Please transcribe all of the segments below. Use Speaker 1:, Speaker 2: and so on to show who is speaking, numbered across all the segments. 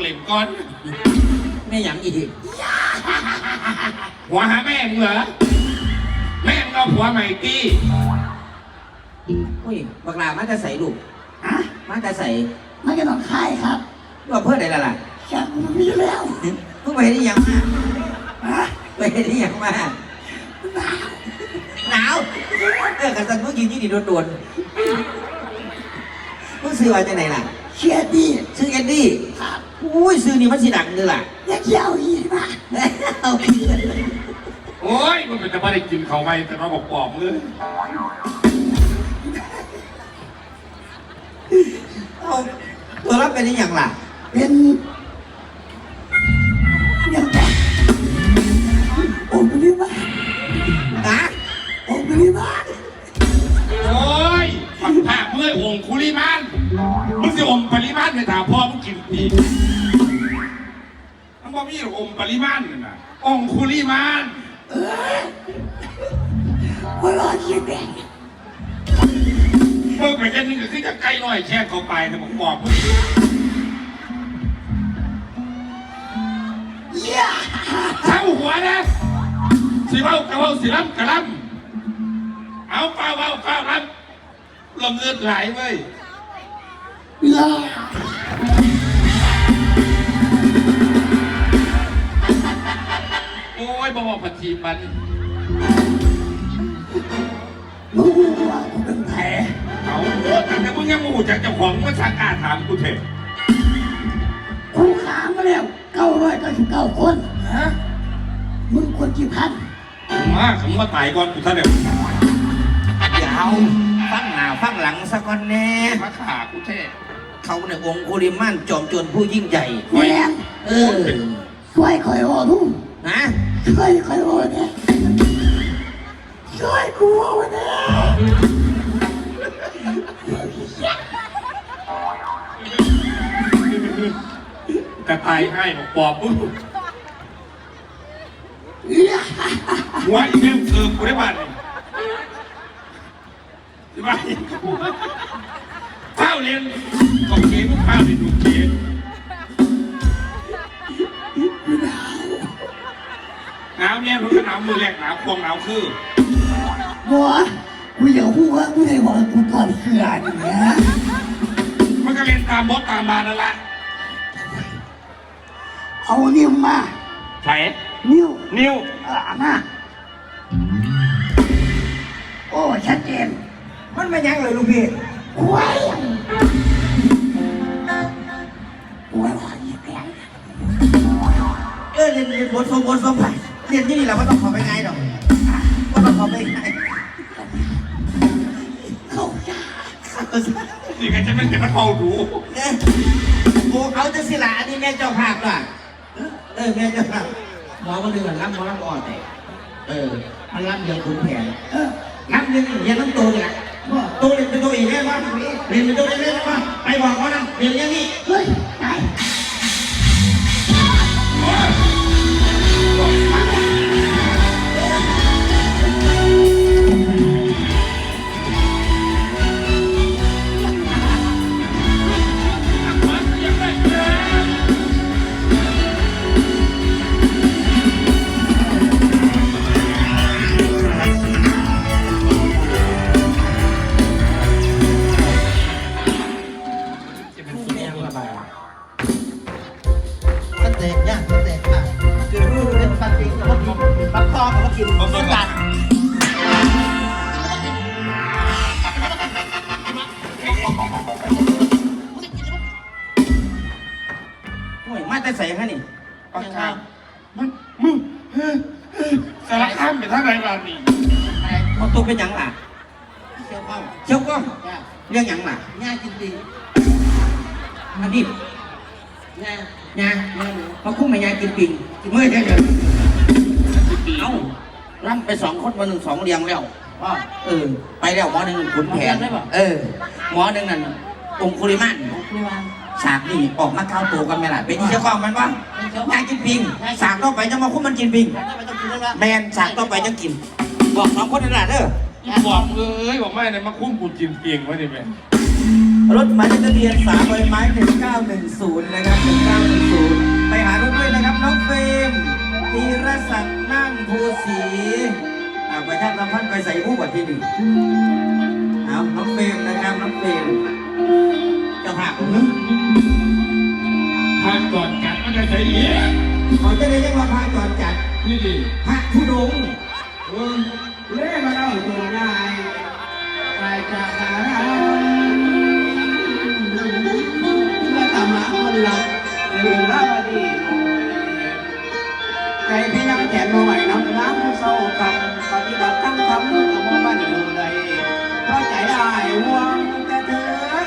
Speaker 1: ล่นก่อน
Speaker 2: แม่หยังอีก
Speaker 1: หัวหาแม่มึงเหรอแม่มึงเอาผัวใหม่ตี
Speaker 2: อุ้ยบักลามาจะใส่ลูกมาจะใส่
Speaker 3: มาจะนอนคายครับ
Speaker 2: ว่าเพื่ออะไรล่ะ
Speaker 3: ฉันมีแล้ว
Speaker 2: เพิ่งไปได้ยังมาไปได้ยังมาหนาวกันสันเมื่อกี้ยี่ดีโดนเพิ่งซื้อมาจากไหนล่ะ
Speaker 3: เชียร์ดี
Speaker 2: ซื้อเอ็ดดี้อุ้ยซื้อนี่มันสีดังเลยล่ะ
Speaker 3: อยากเที่ยวอีกนะ
Speaker 2: เอาไป
Speaker 1: โอ้ยมันเป็นจะไม่ได้กินเขาไหมแต่มาบอกปอบเลย
Speaker 2: เอาตัวรับเป็นยังล่ะ
Speaker 3: เป็นยังไงองค์ปริมา
Speaker 2: นะ
Speaker 3: องค์ปริมา
Speaker 1: โอ้ยฝังผ้าเมื่อองคุลิมานมึงจะองปริมาณไปถามพ่อมึงกินดีมันบอกมีองปริมาณน่ะองคุลิมาน
Speaker 3: หัวเราะเสียงแดง
Speaker 1: มึงไปแค่นี้ก็คือจะใกล้น้อยแช่เขาไปแต่ผมบอกมึงเท้าหัวนะสิเบ้ากระเบ้าสิล้ำกระล้ำเอาเปล่าครับลมเลือดไหลเว้ยโอ้ยบอกผัดทีมัน
Speaker 3: มึงว่ากูเป็นแผล
Speaker 1: เอาแต่มึงยังมูจากเจ้าของก็ช่างกล้าถามกูเถอะ
Speaker 3: กูขามาแล้ว999 คนฮะมึงควรกี่พัน
Speaker 1: มาคำว่าตายก่อนกูท่านเดียว
Speaker 2: อย่าเอาฟังหน้าฟังหลังสักคนแน่
Speaker 1: มาขากูเท่
Speaker 2: เขาเนี่ยองคุลิมานจอมโจรผู้ยิ่งใหญ่
Speaker 3: แม่ช่วยคอยโอ้ทุ่ม
Speaker 2: นะ
Speaker 3: ช่วยคอยโอ้เนี่ยช่วยกูโอ้เนี่ย
Speaker 1: กระต่ายให้บอกปอบมึงหัวอีกเรื่องคือกูได้บ้านที่บ้านข้าวเรียนกองเกมข้าวเรียนดูเกมหนาวเนี่ยมันก็หนาวมือแรกหนาวควงหนาวคือ
Speaker 3: บัวกูอยากพูดว่ากูได้บอกกูก่อนเขื่อนเนี่ย
Speaker 1: มันก็เรียนตามบอสตามมานั่นแหละ
Speaker 3: เอานิ้วมา
Speaker 1: ใช่นิ้ว
Speaker 3: มาโอ้ชัดเจน
Speaker 2: มันไม่ยังเลยลูกพี่
Speaker 3: ว้ายว้ายแก่
Speaker 2: เรียนบทสมไปเรียนที่นี่เราไม่ต้องขอไปไงหรอกก็ต้องขอไปไง
Speaker 1: นี่ก็จะไม่จะเข้าดู
Speaker 2: กูเอาจะสิละอันนี้แม่เจ้าภาพล่ะแม่เจ้าภาพหมอมาดึงหลังหมอลำอ่อนมันลำเดียวขุนแผนลำเดียวเรียนต้องโตเลยโตเรียนเป็นตัวเองได้ป่ะเรียนเป็นตัวเองได้ป่ะไปบอกเขานะเรียนอย่างนี้
Speaker 3: เฮ้ยไหน
Speaker 2: มาแต่ใส่ฮะนี่
Speaker 1: ปากกามึงสารข้ามไปท่าไหนบ้านนี่
Speaker 2: มันตัวเป็นยังล่ะเชี่ยวก้องเรื่องยังล่ะ
Speaker 3: ง่ายจริง
Speaker 2: ๆอันนี้งาเขาคุ้มไม่งานกินปิงเมื่อเดือนเอาล่ำไป2 คนวัน1 2เรียงแล้วไปแล้วหมอ1ขุนแผนหมอ1นั่นองคุลิมานฉากนี่ออกมาเข้าตัวกันไหมล่ะเป็นที่เจ้าของมันวะงานกินปิงฉากต่อไปจะมาคุ้มมันกินปิงแมนฉากต่อไปจะกินบอก2 คนนั่นแหละ
Speaker 1: บอกบอกไม่เลยมาคุ้มกูกินเปียงไว้ดิแม่
Speaker 2: รถหมายเลขทะเบียน3 ใบไม้1910นะครับ1910ไปหารถด้วยนะครับน้องเฟรมธีรศักดิ์นั่งภูศรีประชาสัมพันธ์ไปใส่ผู้บัตรที่หนึ่งเอาน้องเฟรมนะครับน้องเฟรมจะหักหรือ
Speaker 1: พาก่อนกัดมันจะใส่เหี้ย
Speaker 2: เขาจะได้เรียกว่าพระจอดจัด
Speaker 1: นี่ดิ
Speaker 2: พระธุดงค์
Speaker 3: เล่มาเล่าตัวง่ายไปจากหาเมื่อตามหาคนรักลืมรักอดีตใจพี่ยังแขนมาไหวน้ำน้ำเศร้ากันปฏิบัติตั้งทำกับว่าบ้านอยู่ใดเพราะใจอายห่วงแต่เธ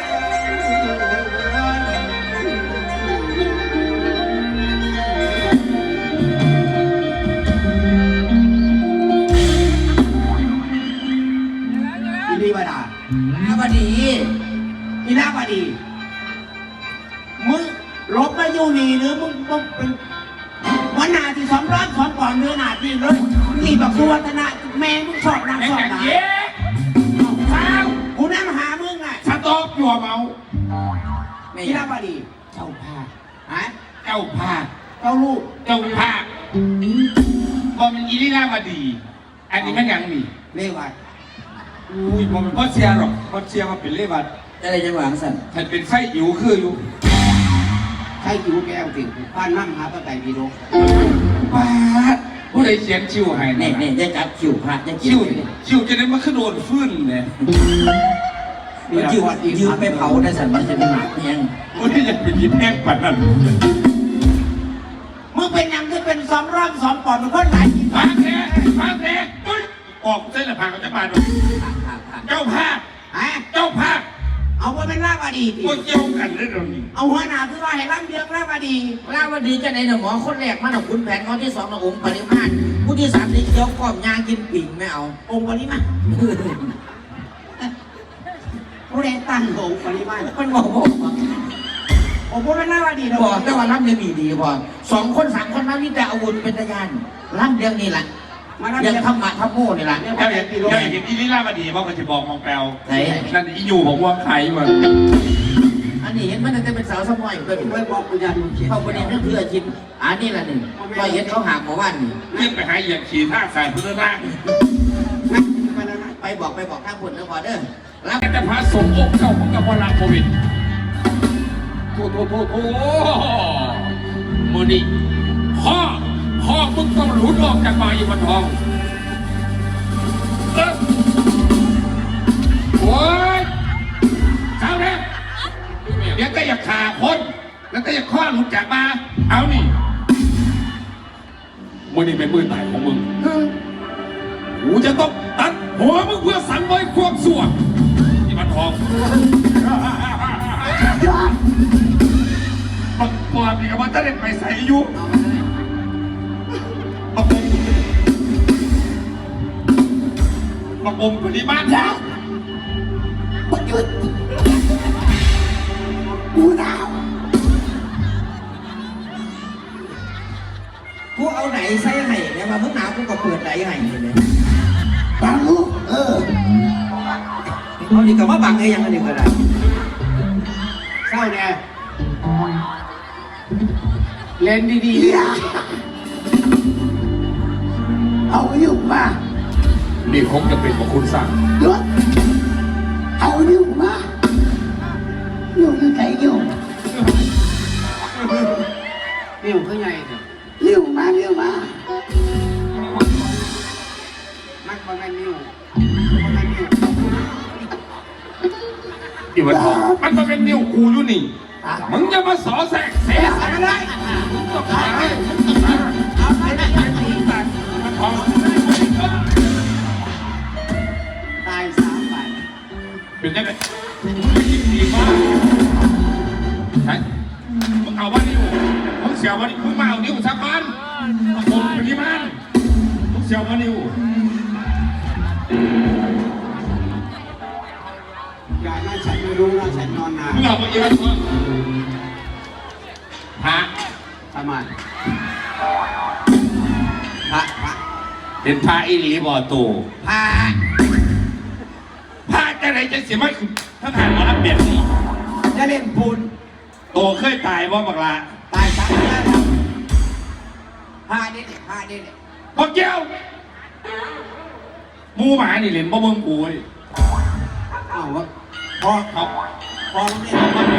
Speaker 3: อดีบดา
Speaker 2: อาบดี
Speaker 3: อีนาบดีมึงลบมาอยู่นี่หรือมึงเป็นวันหนาที่200 2 ก่อนเนื้อหนาที่รถนี่แบบสุวัฒนะแม่มึงสอบนาง
Speaker 1: ไอ้
Speaker 3: สอบ
Speaker 1: กัด
Speaker 3: นา
Speaker 1: เหี้ยข้าว
Speaker 3: กูนั่งหามึงอ่ะ
Speaker 1: สต๊อกยัวเมา
Speaker 2: ไม่
Speaker 3: อี
Speaker 2: อยา
Speaker 3: นาก บดีเจ้าภาพฮะ
Speaker 1: เจ้าภาค
Speaker 3: เจ้าลูก
Speaker 1: เจ้าภาคบอมันอีนี่น่ามาดี อันนี้มันยังมี
Speaker 3: เลวัด
Speaker 1: อุ้ยบอมันพ่อเชียร์หรอกพ่อเชียร์มาเป็นเลวัด
Speaker 2: จะได้จังหวะสั่น
Speaker 1: ฉันเป็นไส้อิ๋วคืออยู่
Speaker 3: ใช่จิ๋วแก้วสิบ้านนั่งหาตะไก่พีโด
Speaker 1: ป้าดผู้ใดเขียนชิวให้
Speaker 2: นี่
Speaker 1: เนี่ย
Speaker 2: จะจับคิวพระจะ
Speaker 1: ชิวชิวจะได้มาขึ้นโดนฟื้นเนี่ย
Speaker 2: ยืมไปเผาได้สั่นมันจะเป็นหนักยัง
Speaker 1: อุ้ยยังเป็นยิบแห้งปัดนั่น
Speaker 3: มึงเป็นยังคือเป็น2 ปอนด์มันคนไหน
Speaker 1: พักแท้พักแท้อุ้ยออกเส้นละพังก็จะมาดูเจ้าภาค
Speaker 3: ฮะ
Speaker 1: เจ้าภาค
Speaker 3: เอาไปเป็นลาบดีดิ
Speaker 1: พวกเกี่ยวกันเรื่องนี้
Speaker 3: เอาหัวหน้าคือว่าให้ร่ำเรียงลาบดี
Speaker 2: ลาวดีจะไหนหนึ่งหมอคนแรกมาหนุ่มคุณแผนคนที่2องค์ปริมาณผู้ที่3นี่เคี้ยวก้อมยางกินปิ่งไม่เอา
Speaker 3: องค์ปริมาณผู้ใดตั้งองค์ปริมาณ
Speaker 2: มันบอก
Speaker 3: องค์ผู้เป็นลาบดีนะ
Speaker 2: บอกแต่ว่ารับเรียงดีพอ2 คน 3 คนมามีแต่อาวุธเป็นตะยานรับเรียงนี่แหละ
Speaker 3: มาร่ำ
Speaker 2: ยั
Speaker 3: เรี
Speaker 2: ง
Speaker 3: ยง
Speaker 2: ทำมาทำโม่นี่แหละ
Speaker 1: เจ้าเห็นอีนี่ล่ามาดีเพราะมันจะบอกมองแปลว
Speaker 2: ไหน
Speaker 1: นั่นอีอยู่ของว่าใครมา
Speaker 2: อันนี้เห็นมันจะเป็นสาวสมอยเกิด
Speaker 3: ไว้บอกกูยันมึงเขียน
Speaker 2: เข้าประเด็นเรื่องเพื่อชินอันนี้ละหนึ่งก็เห็นเขาหาหมอว่านนี่
Speaker 1: เรียกไปหาเหยียบขี่ท่าสายพุทธนาค
Speaker 3: นะไปแล้วนะ
Speaker 2: ไปบอกข้างคนแล้วพอเด้อรับ
Speaker 1: แต่พระสงฆ์องค์เจ้าของกับพระโควิดโถมือนี่พ่อมึงต้องหลุดออกจากมาอยู่บนทองโอ้ยเจ้าเนี่ยเดี๋ยวก็อยากฆ่าคน แล้วก็อยากข้อหลุดจากมา เอานี่มือนี่เป็นมือตายของมึงกูจะต้องตัดหัวมึงเพื่อสังเวยความสั่วที่มันทองปักปอดนี่ก็มันจะได้ไปใส่อยู่ปักอมปริมาณแล้ว
Speaker 3: มึงหยุดกูหนาว
Speaker 2: กูเอาไหนใส่ไห้เนี่ยมาเมื่อหนาวกูก็เปิดไหนไห้เลย
Speaker 3: บังลูก
Speaker 2: เอาดีกับว่าบังไอ้ยังอันนี้ก็ได้
Speaker 3: เศร้าเนี่ยเล่นดีๆเอาอยู่มา
Speaker 1: นี่คงจะเป็นของคุณสั่ง
Speaker 3: หยุดเอาอยู่มาอยู่อยู่ไหนอยู่นิ้วคือไงนิ้วมามันประมาณนิ้ว
Speaker 1: ที่มันทองมันก็เป็นนิ้วกูอยู่นี่มึงจะมาสอแสกเสียอะไรได้ต้องขาย
Speaker 3: เอาไปได้ยังดี
Speaker 1: มันทอง
Speaker 3: ตาย3 บาท
Speaker 1: เป็นยังไงดีมากใช่มึงเอาว่านิ้วมึงเสียว่านิ้วมึงมาเอานิ้วสักพันผมเป็นที่มันมึงเสียว่านิ้ว
Speaker 3: อย่านะฉันไม่รู้นะฉันนอนนาน
Speaker 1: มึงเอามาเยอะมั้งพระ
Speaker 3: ทำไมพระ
Speaker 1: เป็นพระอีหลีบ่อตู
Speaker 3: พระ
Speaker 1: พระจะไหนไรจะเสียไม่ถ้าทานหมอรับเปลี่ยนนี่
Speaker 3: จะเล่นปูน
Speaker 1: โตเคยตายว่าบักลา
Speaker 3: ตายสามแล้วพาดิพาดิ
Speaker 1: บักเจ้ามูหมานี่เล่นบ่เบิ่งกูเลย
Speaker 3: อ้าวพอ
Speaker 1: เอา
Speaker 3: พอแล้วนี่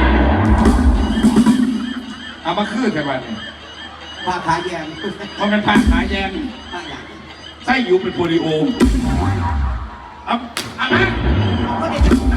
Speaker 1: เอามาคืนกันวันนี้
Speaker 3: พาขาแยม
Speaker 1: เพราะมันผ่านขาแยม
Speaker 3: พาอย่าง
Speaker 1: ไส้อยู่เป็นโปลิโอเอามา
Speaker 3: เขาได้